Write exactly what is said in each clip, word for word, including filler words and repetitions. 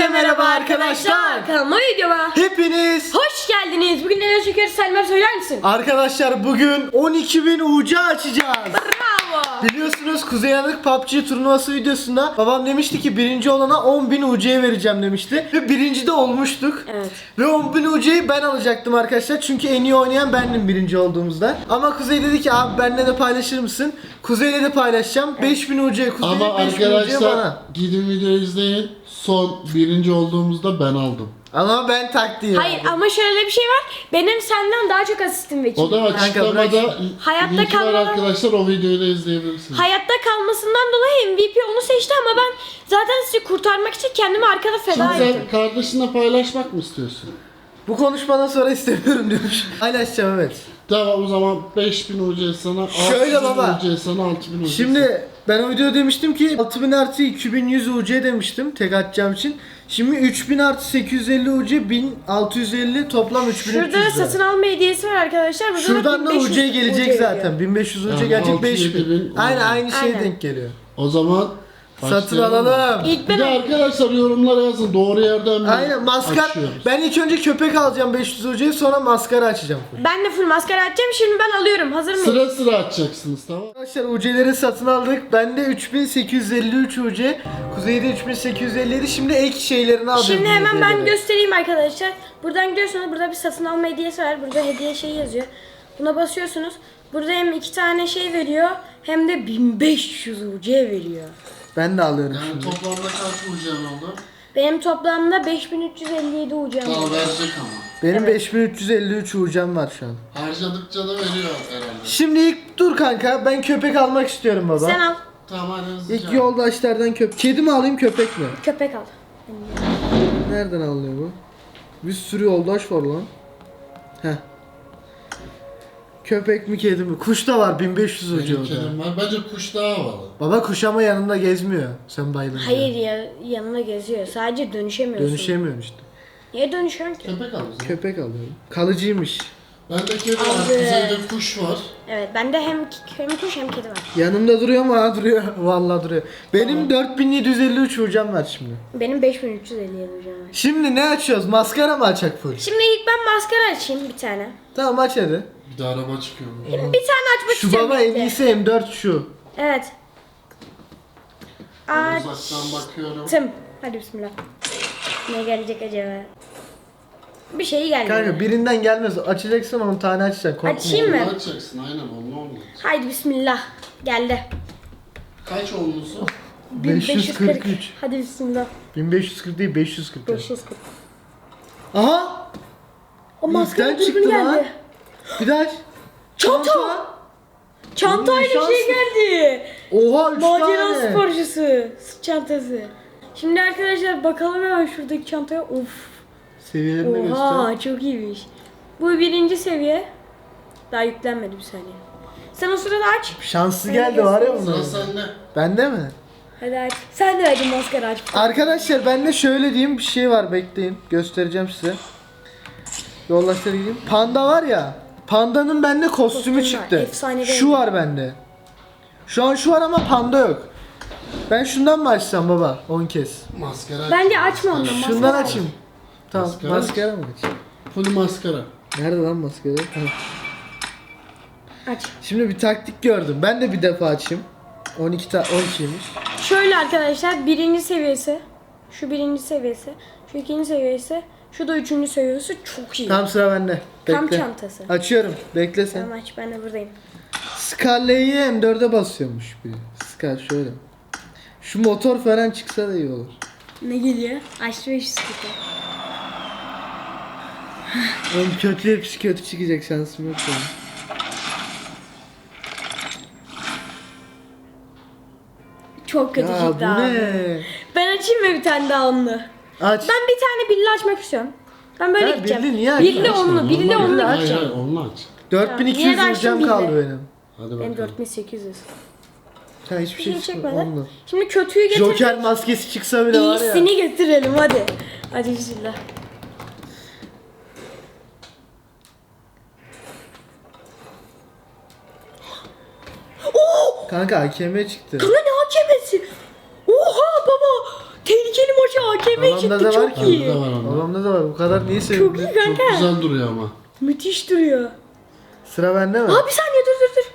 Herkese merhaba arkadaşlar. Kanalıma videoma Hepiniz hoş geldiniz. Bugün neler çekiyoruz Selma, söyler misin? arkadaşlar bugün on iki bin U C açacağız. Bravo. Biliyorsunuz Kuzey Yanık P U B G turnuvası videosunda babam demişti ki birinci olana on bin U C vereceğim demişti. Ve birinci de olmuştuk. Evet. Ve on bin U C'yi ben alacaktım arkadaşlar. Çünkü en iyi oynayan bendim birinci olduğumuzda. Ama Kuzey dedi ki abi benimle de paylaşır mısın? Kuzey'le de paylaşacağım. beş bin U C Kuzey, Ama beş bin U C arkadaşlar bana. gidin videoyu izleyin. Son birinci olduğumuzda ben aldım. Ama ben taktiği Hayır aldım. ama şöyle bir şey var. Benim senden daha çok asistim ve O da bırak açıklamada şimdi. Hayatta linki var kalmadan- arkadaşlar, o videoyu da izleyebilirsiniz. hayatta kalmasından dolayı M V P onu seçti ama ben zaten sizi kurtarmak için kendimi arkada feda Şimdi ettim. sen kardeşinle paylaşmak mı istiyorsun? Bu konuşmadan sonra istemiyorum demiş. Paylaşacağım evet. Tamam, o zaman beş bin U C sana, Şöyle altı bin baba. U C sana, altı bin U C sana. Şimdi ben o videoda demiştim ki altı bin artı iki bin yüz U C demiştim tek atacağım için. Şimdi üç bin artı sekiz yüz elli U C bin altı yüz elli toplam üç bin üç yüz Şurada lira. satın alma hediyesi var arkadaşlar. Burada Şuradan da bin beş yüz U C gelecek veriyor. zaten. bin beş yüz U C Yani gelecek altı beş yedi bin. bin Aynen oldu. aynı şeye Aynen. denk geliyor. O zaman Satın başlayalım. alalım. İlk Bir de ben arkadaşlar yorumlara yazın, doğru yerden mi Aynen maskara. açıyoruz? Ben ilk önce köpek alacağım beş yüz U C'yi, sonra maskara açacağım. ben de full maskara açacağım. Şimdi ben alıyorum. Hazır mıyım? Sıra sıra açacaksınız, tamam. Arkadaşlar U C'leri satın aldık. Bende üç bin sekiz yüz elli üç U C. Kuzey'de üç bin sekiz yüz elli yedi. Şimdi ek şeylerini alacağım. Şimdi bu hemen ben hediyeleri. göstereyim arkadaşlar. Buradan gidiyorsunuz. Burada bir satın alma hediyesi var. Burada hediye şeyi yazıyor. Buna basıyorsunuz. Burada hem iki tane şey veriyor hem de bin beş yüz U C veriyor. Ben de alıyorum Yani şimdi. toplamda kaç U C'm oldu? Benim toplamda beş bin üç yüz elli yedi U C'm Daha var. verecek ama. Benim Evet. beş bin üç yüz elli üç U C'm var şu an. Harcadıkça da veriyor herhalde. Şimdi ilk dur kanka, ben köpek almak istiyorum baba. Sen al. Tamam, hadi hızlıca. İlk yoldaşlardan köpek. Kedi mi alayım köpek mi? Köpek al. Nereden alınıyor bu? Bir sürü yoldaş var lan. Heh. Köpek mi kedi mi? Kuş da var bin beş yüz U C Benim orada. kedim var. Bence kuş daha havalı. Baba kuş ama yanında gezmiyor. Sen bayılınca. Hayır ya, yanına geziyor. Sadece dönüşemiyorsun. Dönüşemiyorum işte. Niye dönüşüyorsun ki? Köpek al o zaman. Köpek alıyorum. Kalıcıymış. Bende kedi var. Abi. Kuzeyde kuş var. Evet, bende hem hem kuş hem kedi var. Yanımda duruyor mu? Ha duruyor. Vallahi duruyor. Benim dört bin yedi yüz elli üç U C'm var şimdi. Benim beş bin üç yüz elli yedi U C'm var. Şimdi ne açıyoruz? Maskara mı açak full? Şimdi ilk ben maskara açayım bir tane. Tamam aç hadi. Bir de araba çıkıyormuş. Bir tane açmak Şu istiyorum. baba en bekle. iyisi M dört şu. Evet. Ben Açtım. uzaktan bakıyorum. Hadi bismillah. Ne gelecek acaba? Bir şey gelmiyor. Kanka birinden gelmez. Açacaksın on tane açacaksın. Korkma. Açayım mı? Onu açacaksın, aynen onu olmaz. Haydi bismillah. Geldi. Kaç olmuşsun? beş yüz kırk üç. Hadi bismillah. bin beş yüz kırk değil beş yüz kırk. beş yüz kırk. Aha! O maskara İlkten dürbün çıktı lan. geldi. Bir daha aç. Çanta. Çantayla bir Şans. şey geldi. Oha üç Macera tane. sporcusu. Sırt çantası. Şimdi arkadaşlar bakalım hemen şuradaki çantaya. Of. Seviyelerini göster. Oha çok iyiymiş. Bu birinci seviye. Daha yüklenmedi bir saniye. Sen o sırada aç. Şanslı Öyle geldi var ya göstereyim. bunlar. Sıra sende. Bende mi? Hadi aç. Sen de hadi maskara aç. Arkadaşlar bende şöyle diyeyim bir şey var, bekleyin. Göstereceğim size. Yoldaşlara gideyim. Panda var ya. Pandanın bende kostümü Kostüm var, çıktı. efsane Şu rengi. var bende. Şu an şu var ama panda yok. Ben şundan mı açsam baba on kez? Maskara. Bence açma ondan. Maskara. Maskara Şundan aç. açayım. Tamam Maskara. maskara mı açayım? Full maskara. Nerede lan maskara? Ha. Aç. Şimdi bir taktik gördüm. Ben de bir defa açayım. on iki ta on ikiymiş. Şöyle arkadaşlar birinci seviyesi. Şu birinci seviyesi. Şu ikinci seviyesi. Şu da üçüncü seviyesi. Çok iyi. Tam sıra bende. Bekle. Kamp çantası. Açıyorum. Bekle sen. Tamam aç, ben de buradayım. Scarlet'i M dörde basıyormuş biri. Scar şöyle. Şu motor falan çıksa da iyi olur. Ne geliyor? Aç beş yüz kırk. Oğlum kötü hepsi kötü çıkacak, şansım yok benim. Çok kötü Ya çıktı bu abi. ne? Ben açayım mı bir tane daha onlu? Aç. Ben bir tane billi açmak istiyorum. Ben böyle Ya gideceğim. billi niye açma? Billi Açma, onlu, billi Normal onlu aç. Hayır gideceğim. hayır, onu aç. dört bin iki Niye yüz de açtın hocam billi? kaldı benim. Hadi Benim bakalım. dört bin sekiz yüz. Ha hiçbir Bir şey şey çıkmadı. çekmedi. Onunla. Şimdi kötüyü getir. Joker maskesi çıksa bile var ya. İyisini getirelim hadi. Hadi bismillah. Kanka A K M çıktı. Kanka ne hakemesi? Oha baba. Tehlikeli maçı A K M Babamda çıktı da var çok ki. iyi. Bende de var onda. Babamda da var. Bu kadar niye Çok sevindin? iyi Çok kanka. güzel duruyor ama. Müthiş duruyor. Sıra bende mi? Aa bir saniye dur dur dur.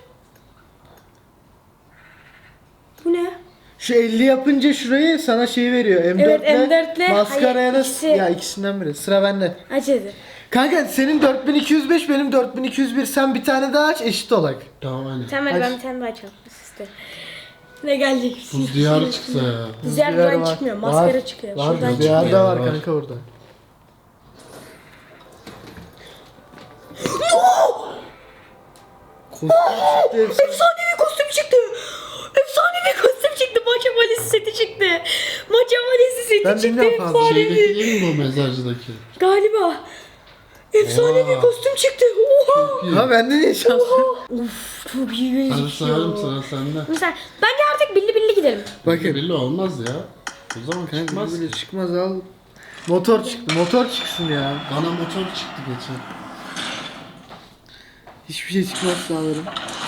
Bu ne? Şu elli yapınca şurayı sana şey veriyor. M dört Evet, ile M dört ile- maskaraya da hayır, ikisi- ya ikisinden biri. Sıra bende. Aç hadi. Kanka senin dört bin iki yüz beş benim dört bin iki yüz bir. Sen bir tane daha aç eşit olak. Tamam aynen. Tamam hadi Aç. ben bir tane daha açalım. Size. Ne gelecek? Buz diyarı çıksa ya. Diğer Rüzgar buradan var. çıkmıyor. Var. Maskara çıkıyor. Var. Şuradan Rüzgar çıkmıyor. da var Var. kanka orada. Kostüm çıktı hepsi. Efsanevi kostüm çıktı. Efsanevi kostüm çıktı. Maça valisi seti çıktı. Maça valisi seti Ben çıktı. bilmiyorum fazla. Şeydeki Efsanevi. değil mi bu mezarcıdaki? Galiba. Efsanevi Oha. kostüm çıktı. Oha. Ha bende niye şans? Uf çok iyi Hadi gözüküyor. sayalım sıra sende. Mesela bence artık billi billi gidelim. Bakın. Belli olmaz ya. O zaman Kanka çıkmaz. böyle çıkmaz al. Motor çıktı. Motor çıksın ya. Bana motor çıktı geçen. Hiçbir şey çıkmaz sanırım.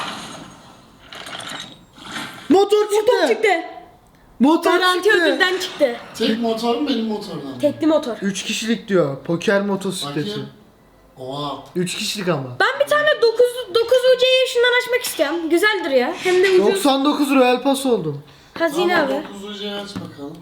Motor çıktı. Motor çıktı. Motor Garanti çıktı. ödülden çıktı. Tek motor mu benim motordan mı? Tekli motor. üç kişilik diyor. Poker motosikleti. Bakayım. Oha. üç kişilik ama. Ben bir tane dokuz dokuz U C'yi şundan açmak istiyorum. Güzel duruyor. Hem de ucuz. doksan dokuz Royal Pass oldum. Hazine Tamam abi. dokuzuncuyu aç bakalım.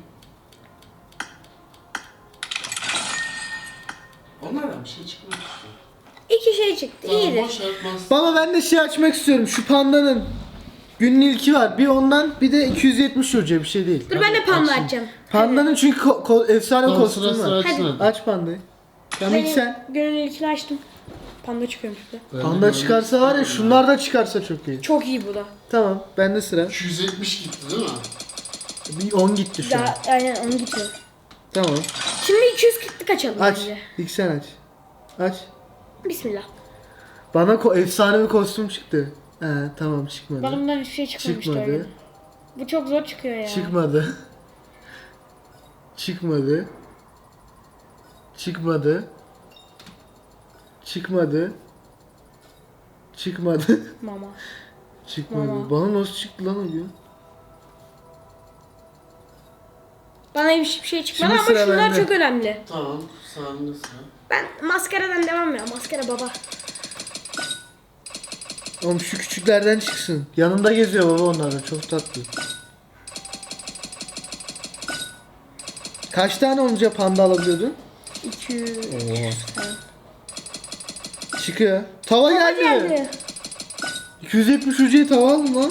Onlardan bir şey çıkmıyor. İki şey çıktı. Tamam İyidir. boş yapmaz. Baba ben de şey açmak istiyorum. Şu pandanın günün ilki var. Bir ondan bir de iki yüz yetmiş hoca bir şey değil. Dur ben de panda açayım. açacağım. Pandanın çünkü ko- ko- efsane Tamam sıra kostümü sıra var. açsın hadi. Aç pandayı. Tamam ilk Benim sen. gönül ilkini açtım. Panda çıkıyormuş bir de. Ben de Panda böyle- çıkarsa var ya şunlar da çıkarsa çok iyi. Çok iyi bu da. Tamam bende sıra. iki yüz yetmiş gitti değil mi? Bir on gitti şu an. Daha, aynen onu gidiyor. Tamam. Şimdi iki yüz kırklık açalım Aç. bence. İlk sen aç. Aç. Bismillah. Bana ko- efsane bir kostüm çıktı. He tamam çıkmadı. Bundan hiçbir şey çıkmamıştı Çıkmadı. öyle. Bu çok zor çıkıyor ya. Çıkmadı. Çıkmadı. Çıkmadı. Çıkmadı. Çıkmadı. Mama. Çıkmadı. Mama. Bana nasıl çıktı lan o gün? Bana hiçbir şey çıkmadı Şimdi ama sıra şunlar bende. çok önemli. Tamam sağında sıra. Ben maskaradan devam ya. Maskara baba. Oğlum şu küçüklerden çıksın. Yanında geziyor baba onlardan. Çok tatlı. Kaç tane olunca panda alabiliyordun? iki yüz. Çıkıyor. Tava Baba geldi. geldi. iki yüz yetmiş ucuya tava aldım lan.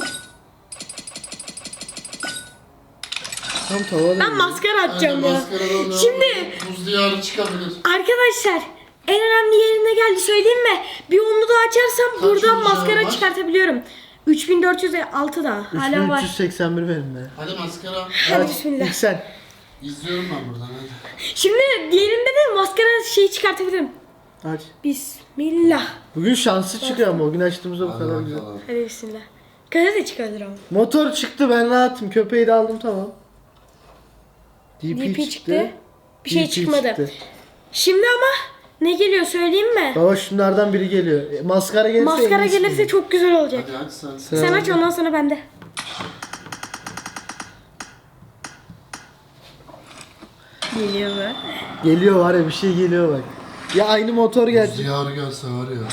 Tam tava Ben aldım. maskara atacağım Aynen, ya. maskaradan devam Şimdi edelim. Buz diyarı çıkabilir. arkadaşlar en önemli yerine geldi söyleyeyim mi? Bir onu daha açarsam Kaç buradan ucu maskara var? çıkartabiliyorum. üç bin dört yüz altı da hala var. üç bin üç yüz seksen bir benim de. Hadi maskara. Hadi Aç, bismillah. İlk sen. İzliyorum ben buradan hadi. Şimdi diğerinde de maskara şeyi çıkartabilirim. Aç. Bismillah. Bugün şanslı çıkıyor ama o gün açtığımızda bu Hadi kadar güzel. bakalım. Hadi bismillah. Kara da çıkardır ama. Motor çıktı ben rahatım. Köpeği de aldım tamam. D P, D P çıktı. çıktı. Bir şey D P çıkmadı. çıktı. Şimdi ama ne geliyor söyleyeyim mi? Baba şunlardan biri geliyor. E, maskara gelirse en Maskara iyisi gelirse geliyor. çok güzel olacak. Hadi aç sen. Sıra Sen aç bende. ondan sonra bende. Geliyor mu? Geliyor var ya bir şey geliyor bak. Ya aynı motor Buz gelecek. diyarı gelse var ya.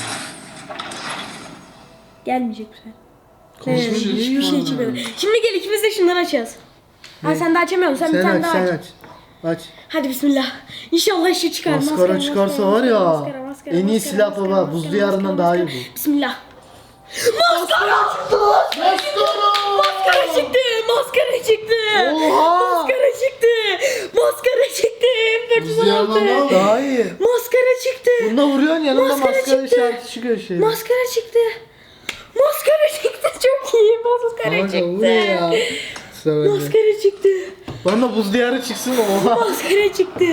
Gelmeyecek bu sefer. Hiçbir Evet, şey hiçbir şey çıkmadı. çıkmadı. Şimdi gel ikimiz de şundan açacağız. Ha sen de açamıyorsun. Sen, bir Sen tane aç daha sen aç. aç. Aç. Hadi bismillah. İnşallah şu çıkar. Maskara çıkarsa var ya. En iyi silah baba. Buz diyarından daha iyi bu. Bismillah. Maskara çıktı. Maskara çıktı. Maskara çıktı. Oha! Maskara çıktı. Maskara çıktı. Buz diyarından daha mı? Daha iyi. Maskara çıktı. Bunda vuruyorsun yanında Maskara maskara çıktı. işareti çıkıyor şey. Maskara çıktı. Maskara çıktı. Çok iyi. Maskara Kanka bu çıktı. ne ya? Sıra bende. Maskara çıktı. Bana buz diyarı çıksın oha. Maskara çıktı.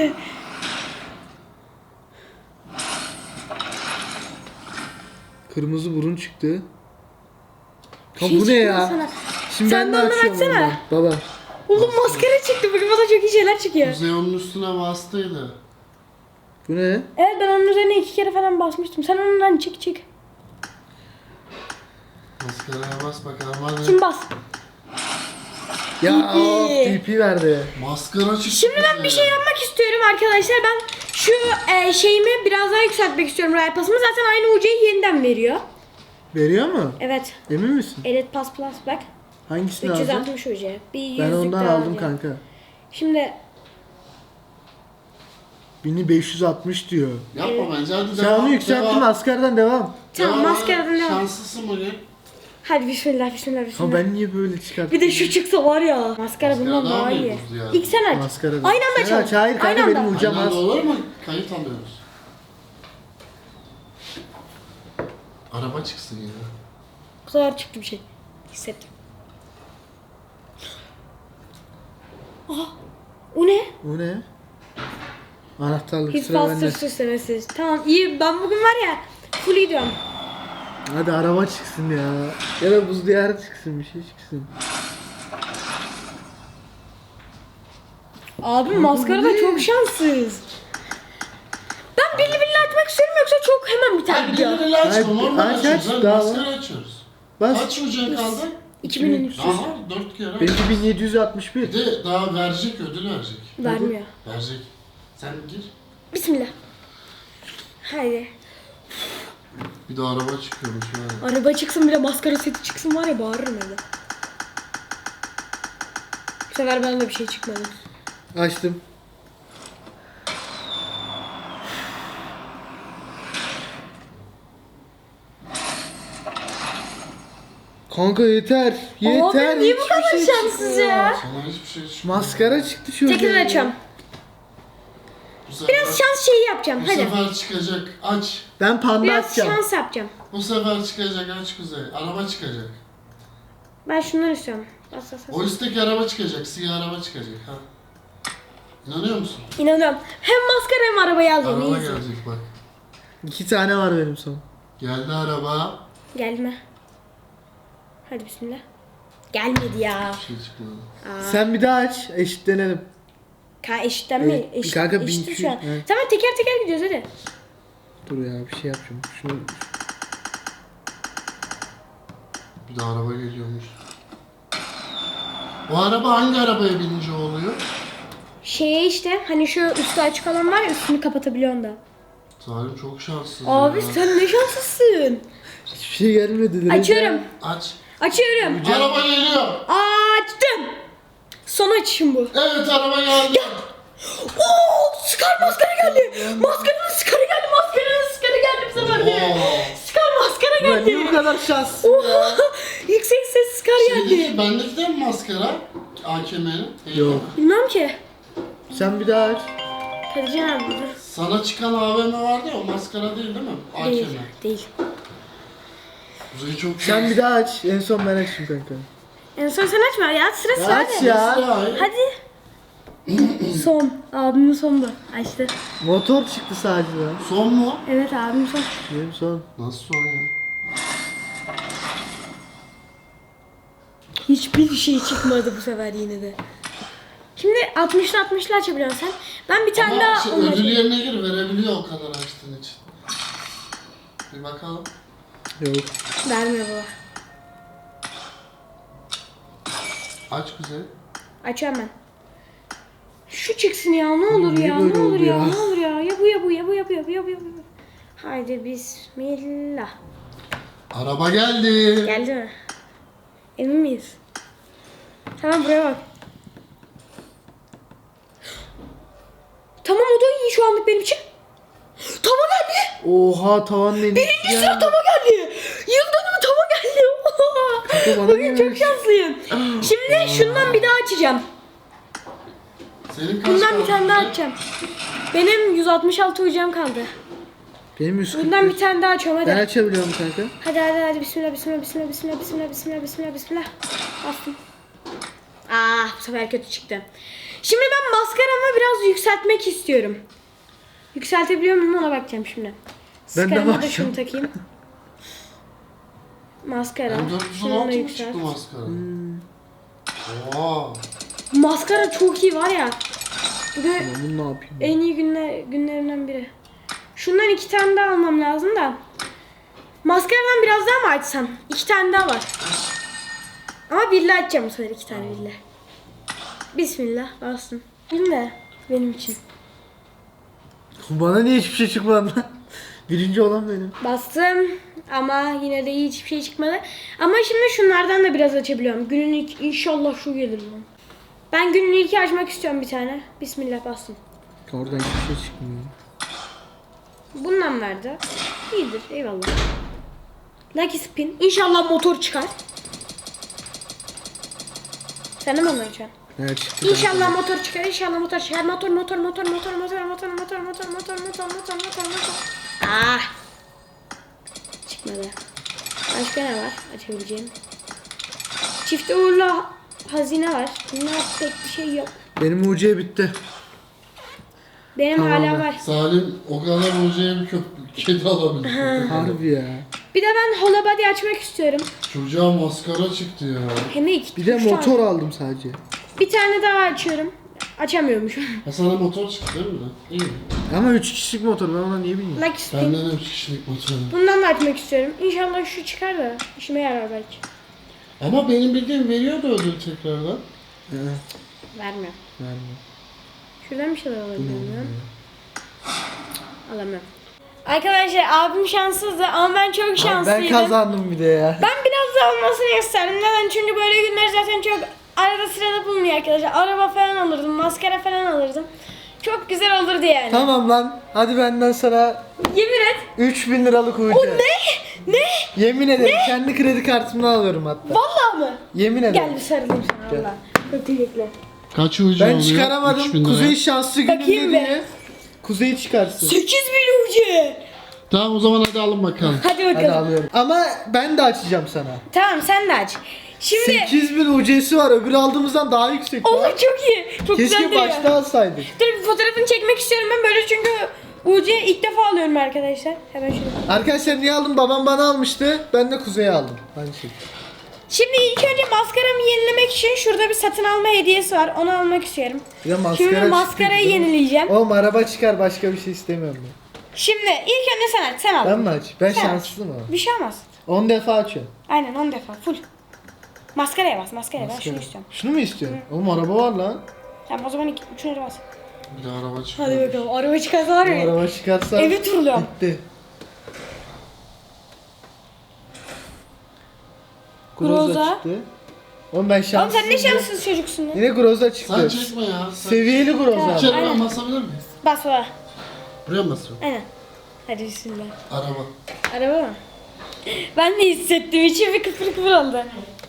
Kırmızı burun çıktı. Ha Şey bu ne çıkmıyor ya? sana. Şimdi Sen ben de de ondan açıyorum açsana. ondan. Baba. Oğlum maskara çıktı. Bugün bana çok iyi şeyler çıkıyor. Kuzey onun üstüne bastıydı. Bu ne? Evet ben onun üzerine iki kere falan basmıştım. Sen ondan çık çık. Maskaraya bas bakalım hadi. Şimdi bas. Ya D P. of, D P verdi. Maskara çıktı. Şimdi ben bir şey yapmak istiyorum arkadaşlar. Ben şu e, şeyimi biraz daha yükseltmek istiyorum Royal Pass'ımı. Zaten aynı U C'yi yeniden veriyor. Veriyor mu? Evet. Emin misin? Elite Pass Plus bak. Hangisini üç yüz aldın? altmış U C. Bir yüzlük Ben ondan daha aldım alacağım. kanka. Şimdi bin beş yüz altmış diyor. Yapma bence hadi Sen devam. onu yükselttin, devam. askerden devam. tamam Devam. maskaradan devam. Şanslısın bugün. Hadi bismillah bismillah Ama bismillah. ben niye böyle çıkarttım? Bir de şu çıksa var ya. Maskara Maskara bundan daha daha mı iyi. ucuzdu yani? İlk sen aç. Maskara. Aynı anda Sen açalım. aç, hayır kanka, Aynı benim anda. ucam Aynen az. olur mu? Kayıt alıyoruz. Araba çıksın ya. Bu sefer çıktı bir şey. Hissettim. Aha. O ne? O ne? Anahtarlık His sıra bende. bastır süslemesi. Tamam iyi. Ben bugün var ya full gidiyorum. Hadi araba çıksın ya. Ya da buz diyarı çıksın, bir şey çıksın. Abi maskara da çok şanssız. Ben birli birli açmak istiyorum yoksa çok hemen biter Hayır video. birbirine açma. Hayır, Normal aç, açıyoruz. aç, Hadi daha maskara açıyoruz. Bas. Kaç ucun kaldı? iki bin üç yüz. Aha dört kere. Benimki bin yedi yüz altmış bir. Bir de daha verecek, ödül verecek. Vermiyor. Verecek. Sen gir. Bismillah. Haydi. Bir de araba çıkıyormuş yani. Araba çıksın bir de maskara seti çıksın var ya bağırırım evde. Bu sefer bana da bir şey çıkmadı. Açtım. Kanka yeter. Yeter. Abi niye bu hiçbir kadar şey şanssız çıkmıyor. ya? Sana hiçbir şey çıkmıyor. Maskara çıktı şurada. Tekrar açıyorum. Bu sefer, Biraz şans şeyi yapacağım bu hadi. sefer çıkacak. Aç. Ben panda Biraz açacağım. şans yapacağım. Bu sefer çıkacak, aç Kuzey. Araba çıkacak. Ben şunları istiyorum. Bas bas bas. O üstteki araba çıkacak, siyah araba çıkacak. Ha. İnanıyor musun? İnanıyorum. Hem maskara hem arabayı alacağım. Araba Easy. gelecek bak. İki tane var benim son. Geldi araba. Geldi mi? Hadi bismillah. Gelmedi ya. Bir şey çıkmadı. Sen bir daha aç, eşitlenelim. Ka eşitten mi? Evet, Eşit, kanka eşitiz bin iki şu an. yüz, evet. Tamam teker teker gidiyoruz hadi. Dur ya, bir şey yapacağım. Şunu Bir de araba geliyormuş. O araba hangi arabaya binince oluyor? Şeye işte hani şu üstü açık olan var ya üstünü kapatabiliyorsun da. Salim çok şanssız Abi ya. sen ne şanslısın. hiçbir şey gelmedi. Açıyorum. Aç. Açıyorum. Araba geliyor. Açtım. Son açışım bu. Evet araba geldi. Oo, Scar maskara geldi. Maskaranın Scar'ı geldi. Maskaranın Scar'ı geldi bu sefer de. Oo. Scar maskara Ben niye bu geldi. kadar şanssız? Oha. Yüksek ses Scar geldi. Şeydeki, bendeki de mi maskara? A K M'nin. Yok. Bilmem ki. Sen bir daha aç. Hadi canım dur. Sana çıkan A V M vardı ya, o maskara değil değil mi? A K M. Değil. Değil. Kuzey çok Sen bir daha aç. En son ben açayım kanka. En son sen açma ya. Sıra Ya sıra. aç hadi. ya. Hadi. Son. Abimin son bu. Açtı. Motor çıktı sadece lan. Son mu? Evet abim son. Benim son. Nasıl son ya? Hiçbir şey çıkmadı bu sefer yine de. Şimdi altmışlı altmışlı açabiliyorsun sen. Ben bir tane Ama daha şey, onu ödül açayım. yerine gir, verebiliyor o kadar açtığın için. Bir bakalım. Yok. Vermiyor baba. Aç Kuzey. Açıyorum ben. Şu çıksın ya ne olur Niye ya böyle ne olur oldu ya, ya? ne olur ya ya bu ya bu ya bu ya bu ya bu ya bu ya bu. Haydi bismillah. Araba geldi. Geldi mi? Emin miyiz? Tamam buraya bak. Tamam o da iyi şu anlık benim için. Tava geldi. Oha, tavan neymiş? Birinci sıra tava geldi. Yıl dönümü tava geldi. Kanka bana Bugün çok gelmiş. şanslıyım. Şimdi şundan bir daha açacağım. Senin kaç Bundan bir kaldı tane daha Kuzey? açacağım. Benim yüz altmış altı ucam kaldı. Benim yüz kırk Bundan beş. bir tane daha açıyorum hadi. Ben açabiliyorum kanka. Hadi hadi hadi bismillah bismillah bismillah bismillah bismillah bismillah bismillah bismillah. Bastım. Ah bu sefer kötü çıktı. Şimdi ben maskaramı biraz yükseltmek istiyorum. Yükseltebiliyor muyum ona bakacağım şimdi. Ben de Maskarama da bakacağım. şunu takayım. Maskara. M dört yüz on Şunu da altı mı yükselt. çıktı maskara? Hmm. Oha. Maskara çok iyi var ya. Bu da Ama bunu ne yapayım? en iyi günler, günlerimden biri. Şundan iki tane daha almam lazım da. Maskaradan biraz daha mı açsam? İki tane daha var. Ama birle açacağım bu sefer iki tane birle. Bismillah bastım. Şimdi benim için. Bana niye hiçbir şey çıkmadı lan? Birinci olan benim. Bastım ama yine de hiçbir şey çıkmadı. Ama şimdi şunlardan da biraz açabiliyorum. Günün ilk inşallah şu gelir lan. Ben günün ilki açmak istiyorum bir tane. Bismillah bastım. Oradan hiçbir şey çıkmıyor. Bundan verdi. İyidir eyvallah. Lucky spin. İnşallah motor çıkar. Sen de mi onu açıyorsun? Evet çıktı. İnşallah motor çıkar, inşallah motor çıkar. Motor, motor, motor, motor, motor, motor, motor, motor, motor, motor, motor, motor, motor. Ah! Çıkmadı. Başka ne var açabileceğim? Çift uğurlu hazine var. Bunlar pek bir şey yok. Benim U C bitti. Benim Tamam hala be. var. Salim o kadar hocaya bir köp kedi alabilir. Harbi ya. Bir de ben holobody açmak istiyorum. Çocuğa maskara çıktı ya. Hem de iki. Bir de üç tane. motor aldım sadece. Bir tane daha açıyorum. Açamıyormuşum. Ha sana motor çıktı değil mi lan? İyi. Ama üç kişilik motor, ben ona niye bilmiyorum. Lucky spin. Benden de üç kişilik motor. Bundan da açmak istiyorum. İnşallah şu çıkar da işime yarar belki. Ama benim bildiğim veriyordu ödül tekrardan. He, Vermiyor. vermiyor. Şuradan bir şeyler alabiliyorum ya. Alamıyorum. Arkadaşlar abim şanssızdı ama ben çok Abi şanslıydım. ben kazandım bir de ya. Ben biraz da olmasını isterdim. Neden? Çünkü böyle günler zaten çok arada sırada bulunuyor arkadaşlar. Araba falan alırdım, maskara falan alırdım. Çok güzel olurdu yani. Tamam lan. Hadi benden sana Yemin et. üç bin liralık U C. O ne? Ne? Yemin ederim kendi kredi kartımdan alıyorum hatta. Vallahi mı? Yemin ederim. Gel bir sarılayım sana Gel. valla. Çok teşekkürler. Kaç ucu Ben oluyor? üç bin çıkaramadım. lira. Kuzey şanslı gününde Bakayım be. diye. Kuzey çıkarsın. sekiz bin ucu. Tamam o zaman hadi alın bakalım. Hadi Hadi bakalım. alıyorum. Ama ben de açacağım sana. Tamam sen de aç. Şimdi sekiz bin U C'si var. Öbürü aldığımızdan daha yüksek. olur var. çok iyi. Çok güzel Keşke duruyor. başta alsaydık. Dur bir fotoğrafını çekmek istiyorum ben böyle çünkü U C'yi ilk defa alıyorum arkadaşlar. Hemen şunu. Arkadaşlar niye aldım? Babam bana almıştı. Ben de Kuzey'e aldım. Aynı şey. Şimdi ilk önce maskaramı yenilemek için şurada bir satın alma hediyesi var. Onu almak istiyorum. Bir de maskara Şimdi çıktı maskarayı bizim. yenileyeceğim. Oğlum araba çıkar, başka bir şey istemiyorum ben. Şimdi ilk önce sen aç. Sen al. Ben mi aç? Ben Sen aç. şanslıyım ama. Bir şey olmaz. on defa açıyorum. Aynen on defa full. Maskaraya bas maskaraya ben şunu Maskara. istiyorum. Şunu mu istiyorsun? Oğlum araba var lan. Tamam o zaman iki, üçüncü bas. Bir de araba çıktı. Hadi bakalım araba çıkarsa var Bu ya. araba çıkarsa Evi turluyorum. bitti. Groza. Groza çıktı. Oğlum ben Oğlum şanslıyım. sen ne şanssız çocuksun ya. Yine Groza Sen çıktı. çekme ya. Sen... Seviyeli Groza. İçeri Aynen. ben basabilir miyiz? Bas bana. Buraya mı basıyorum? Aynen. Hadi bismillah. Araba. Araba mı? Ben de hissettim. İçim bir kıpır kıpır oldu.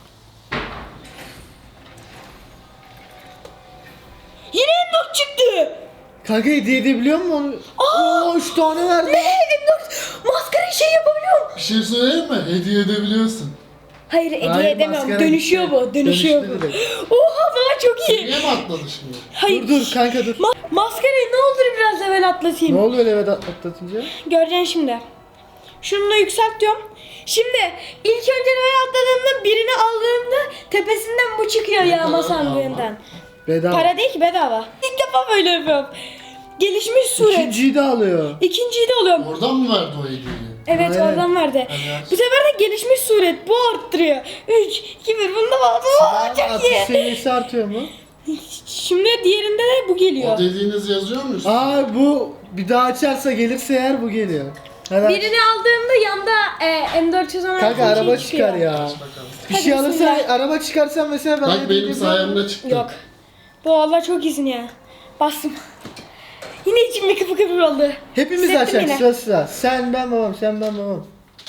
Yine M dört çıktı. Kanka hediye edebiliyor musun onu? Oo üç tane verdi. Ne? M dört maskarayı şey yapabiliyorum. Bir şey söyleyeyim mi? Hediye edebiliyorsun. Hayır hediye Hayır, edemiyorum. maskara Dönüşüyor gitti. bu. Dönüşüyor Dönüştü bu. direkt. Oha baba çok iyi. Niye mi atladı şimdi? Hayır. Dur dur kanka dur. Ma- maskarayı ne olur biraz evvel Ne atlatayım. oluyor evet atlatınca? Göreceksin şimdi. Şunu da yükselt diyorum. Şimdi ilk önce level atladığımda birini aldığımda tepesinden bu çıkıyor yağma kadar sandığından. Bedava. Para değil ki bedava. İlk defa böyle yapıyorum. Gelişmiş suret. İkinciyi de alıyor. İkinciyi de alıyorum. Oradan mı verdi o hediyeyi? Evet Aynen. oradan verdi. Hadi Bu sefer de gelişmiş suret. Bu arttırıyor. üç, iki, bir. Bunu da aldım. Aa, çok Atış iyi. seviyesi artıyor mu? Şimdi diğerinde de bu geliyor. O dediğiniz yazıyor mu? üstüne? Aa bu bir daha açarsa gelirse eğer bu geliyor. Hadi aç. Birini aldığımda yanda e, M dört yüz on altı Kanka araba şey çıkar çıkıyor. ya. Bakalım. Bir Hadi şey alırsan bismillah. araba çıkarsan mesela ben Bak hediye benim edebilirim. sayemde çıktı. Yok. Bu Allah çok iyisin ya. Bastım. Yine içim bir kıpır kıpır oldu. Hepimiz Hissettim açacak yine. sıra sıra. Sen ben babam, sen ben babam.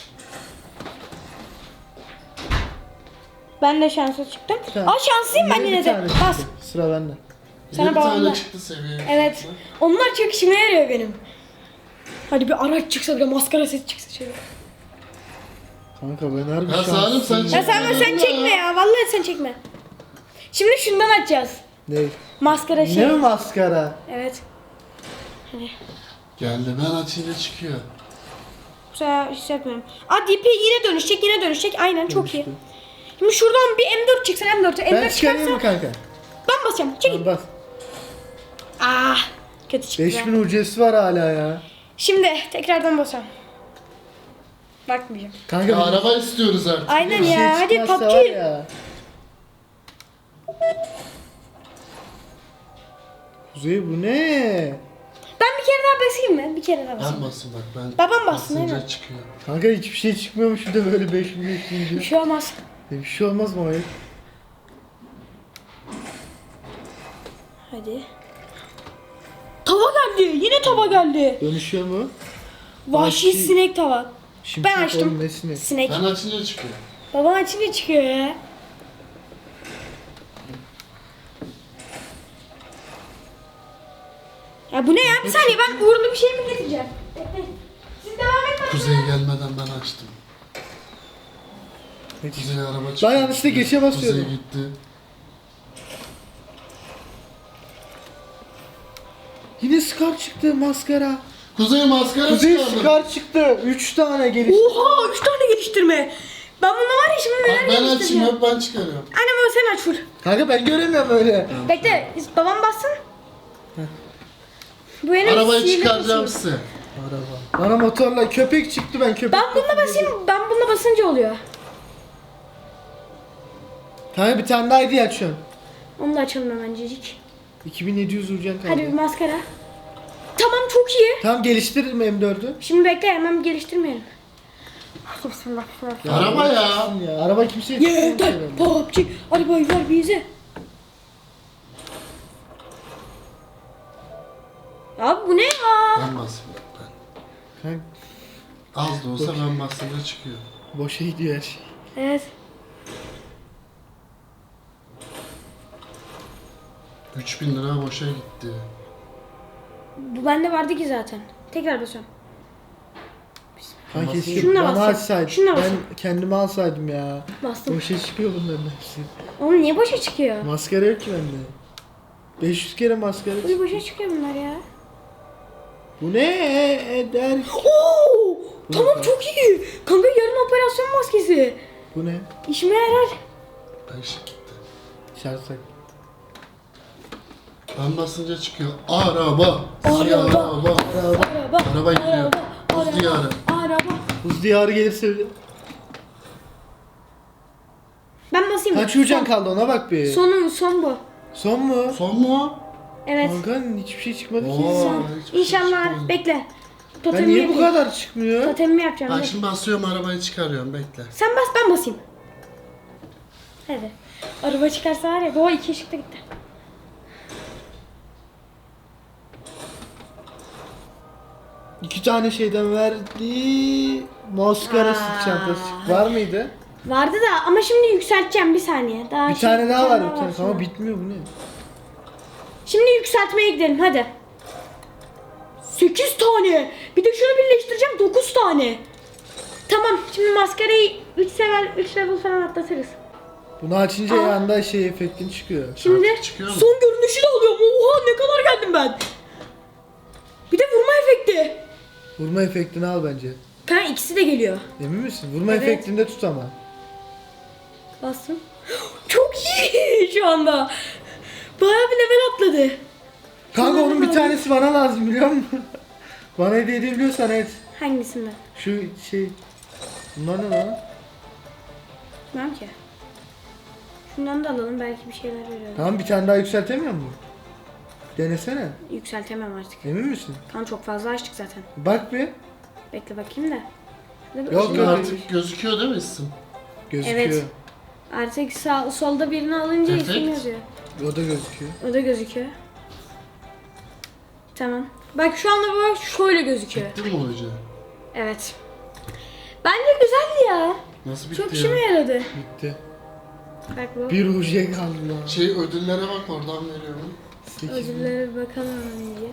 Ben de şanssız çıktım. Tamam. Aa şanslıyım ben Yine yine bir de. tane Bas. çıktı. Sıra bende. Bir Sana de bir bağlı. tane çıktı seviye. Evet. Onlar çok işime yarıyor benim. Hadi bir araç çıksa bir de maskara sesi çıksa şöyle. Kanka ben harbi Ya Salim, sen şanslıyım. Ya sen Çekme sen ya. çekme ya. Vallahi sen çekme. Şimdi şundan açacağız. Ne? Maskara şey. Ne mi maskara? Evet. Hani Geldi ben açınca çıkıyor. bu sefer hissetmiyorum. Aa D P yine dönüşecek yine dönüşecek. Aynen çok iyi. Dönüştü. Şimdi şuradan bir M dört çıksın M dört. M Ben dört çıkarayım çıkarsa mı kanka? ben basacağım. Çekil. Tamam bas. Ah kötü çıktı. beş bin U C'si var hala ya. Şimdi tekrardan basacağım. Bakmayacağım. Kanka Ya bir araba istiyoruz artık. Aynen bir ya. Hadi çıkmazsa P U B var G. ya. Kuzey bu ne? Ben bir kere daha basayım mı? Bir kere daha basayım. Ben basın bak ben. Babam bassın, basınca aynen. çıkıyor. Kanka hiçbir şey çıkmıyormuş bir de böyle beş bin beş bin Bir şey olmaz. Bir şey olmaz mı o ya? Hadi. Tava geldi. Yine tava geldi. Dönüşüyor mu? Vahşi Vahşi. sinek tava. Şimşek Ben açtım. oğlum, nesine? Sinek. Ben açınca çıkıyor. Babam açınca çıkıyor ya. Ya bu ne ya? Bir saniye, ben uğurlu bir şey mi getireceğim? Bekle. Siz devam etmeyin. Kuzey gelmeden ben açtım. Kuzey araba çıktı. Ben yanlışlıkla geçe basıyordum. Kuzey gitti. Yine Scar çıktı, maskara. Kuzey maskara Kuzey çıkardı. Scar çıktı. üç tane geliş. Oha, üç tane geliştirme. Ben bunu var ya şimdi Bak neler ben açayım geliştireceğim. hep ben çıkarıyorum. Annem o sen aç full. Kanka ben göremiyorum öyle. Bekle, babam bassın. Bu benim Arabayı sihirli çıkaracağım basım. size. Araba. Bana motorla köpek çıktı, ben köpek. Ben bununla basayım, ben bununla basınca oluyor. Kanka bir tane daha hediye açıyorum. Onu da açalım hemencecik. iki bin yedi yüz vuracaksın kanka. Hadi bir maskara. Tamam, çok iyi. Tamam geliştiririm M dördü. Şimdi bekle, hemen geliştirmeyelim. Hadi bismillah, bismillah. Araba ya. Ya araba kimseye Yeter, çıkmıyor. P U B G, arabayı ver bize. Ya bu ne ya? Ben basayım ben. Kanka Az da olsa ben basınca çıkıyor. boşa gidiyor her şey. Evet. üç bin lira boşa gitti. Bu bende vardı ki zaten. Tekrar basıyorum. Kanka keşke Şununla bana basacağım. açsaydın. Şununla Ben basacağım. kendime alsaydım ya. Bastım. Boşa çıkıyor bunların hepsi. Oğlum niye boşa çıkıyor? Maskara yok ki bende. beş yüz kere maskara Uy, çıktı. boşa çıkıyor bunlar ya. Bu ne eder? Oo! Tamam, ne? çok iyi. Kanka yarın operasyon maskesi. Bu ne? İşime yarar. beş gitti. Şartsak. Ben basınca çıkıyor. Araba. Araba. Araba. Araba. Araba. Araba gidiyor. Araba. Buz diyarı. Araba. Buz diyarı gelirse öyle. Ben basayım mı? Kaç ucan kaldı ona bak bir. Son, Sonu, son bu. mu? Son mu? Evet. Kanka hiçbir şey çıkmadı ki. Oo. Son. hiçbir şey İnşallah. çıkmadı. Bekle. Ben Totemimi niye bu yapayım. kadar çıkmıyor? Totemimi yapacağım. Ben dur. şimdi basıyorum arabayı çıkarıyorum bekle. Sen bas, ben basayım. Hadi. Araba çıkarsa var ya. Doğa iki ışıkta gitti. İki tane şeyden verdi. Maskara Aa. sırt çantası. Var mıydı? Vardı da ama şimdi yükselteceğim bir saniye. Daha Bir şey- tane daha var bir daha tane. sonra. Ama bitmiyor bu ne? Şimdi yükseltmeye gidelim hadi. sekiz tane. Bir de şunu birleştireceğim, dokuz tane. Tamam, şimdi maskarayı üç level üç level falan atlatırız. Bunu açınca Aa. yanda şey efektin çıkıyor. Şimdi Artık çıkıyor mu? son görünüşü de alıyorum. Oha, ne kadar geldim ben. Bir de vurma efekti. Vurma efektini al bence. Kanka ikisi de geliyor. Emin misin? Vurma Evet. efektinde tut ama. Bastım. Çok iyi şu anda. Bayağı bir level atladı. Kanka Şunları onun bir da tanesi bana lazım biliyor musun? Bana hediye edebiliyorsan et. Hangisinden? Şu şey. Bunlar ne lan? Bilmem ki. Şundan da alalım, belki bir şeyler veriyor. Tamam bir tane daha yükseltemiyor mu? Denesene. Yükseltemem artık. Emin misin? Kan çok fazla açtık zaten. Bak bir. Bekle bakayım da. Şurada bir Yok, ışık Şimdi yok. var. artık gözüküyor değil mi isim? Gözüküyor. Evet. Artık sağ, solda birini alınca Efekt. isim yazıyor. O da gözüküyor. O da gözüküyor. Tamam. Bak şu anda bu şöyle gözüküyor. Bitti mi hoca? Evet. Bence güzeldi ya. Nasıl bitti Çok ya? işime yaradı. Bitti. Bak bu. Bir ucuya kaldı lan. Şey ödüllere bak oradan veriyorum. sekiz bin. Ödüllere bir bakalım önce.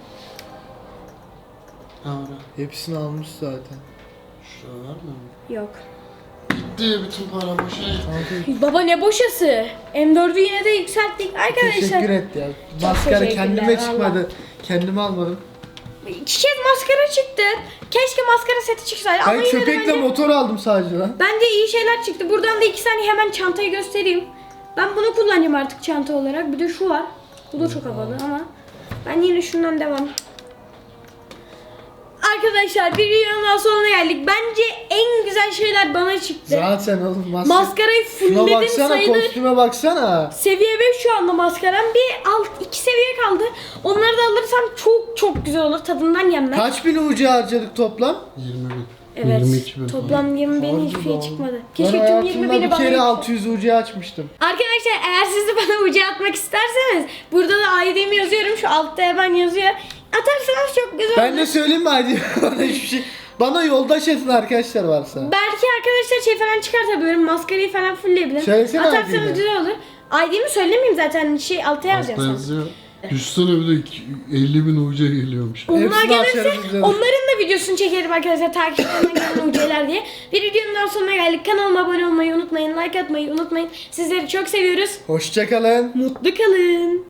Ha orada. Hepsini almış zaten. Şurada var mı? Yok. Gitti bütün para boşa. Kanka Baba ne boşası. M dördü yine de yükselttik arkadaşlar. teşekkür et ya. Çok Maskara teşekkürler, kendime valla. çıkmadı. Kendime almadım. İki kez maskara çıktı. Keşke maskara seti çıksaydı. Ama Ben yine de köpekle bence, motor aldım sadece lan. bence iyi şeyler çıktı. Buradan da iki saniye hemen çantayı göstereyim. Ben bunu kullanacağım artık çanta olarak. Bir de şu var. Bu da çok havalı ama ben yine şundan devam. arkadaşlar bir videonun daha sonuna geldik. Bence en güzel şeyler bana çıktı. Zaten oğlum maske. Maskarayı Şuna fullledim baksana, sayılır. kostüme baksana. Seviye beş şu anda maskaram. Bir alt iki seviye kaldı. Onları da alırsam çok çok güzel olur. Tadından yenmez. Kaç bin U C harcadık toplam? yirmi bin. Evet. yirmi iki bin. Toplam yirmi bin Harbi hiçbir şey lan. çıkmadı. Ben Keşke tüm yirmi hayatımda bini bir bana kere yetse. altı yüz U C açmıştım. Arkadaşlar eğer siz de bana ucu atmak isterseniz burada da I D'mi yazıyorum. Şu altta hemen yazıyor. Atarsanız çok güzel Ben olur. de söyleyeyim mi hadi? Bana hiçbir şey. Bana yoldaş edin arkadaşlar varsa. Belki arkadaşlar şey falan çıkartabilirim. Maskarayı falan fullleyebilirim. Söylesene I Atarsanız D'ni. güzel olur. I D'mi söylemeyeyim zaten. Şey alta Altta yazacağım sana. yazıyor. Düşsene bir de iki- elli bin U C geliyormuş. Onlar Hepsini gelirse açarız bize. onların da videosunu çekerim arkadaşlar, takipçilerine gelen U C'ler diye. Bir videonun daha sonuna geldik. Kanalıma abone olmayı unutmayın. Like atmayı unutmayın. Sizleri çok seviyoruz. Hoşçakalın. Mutlu kalın.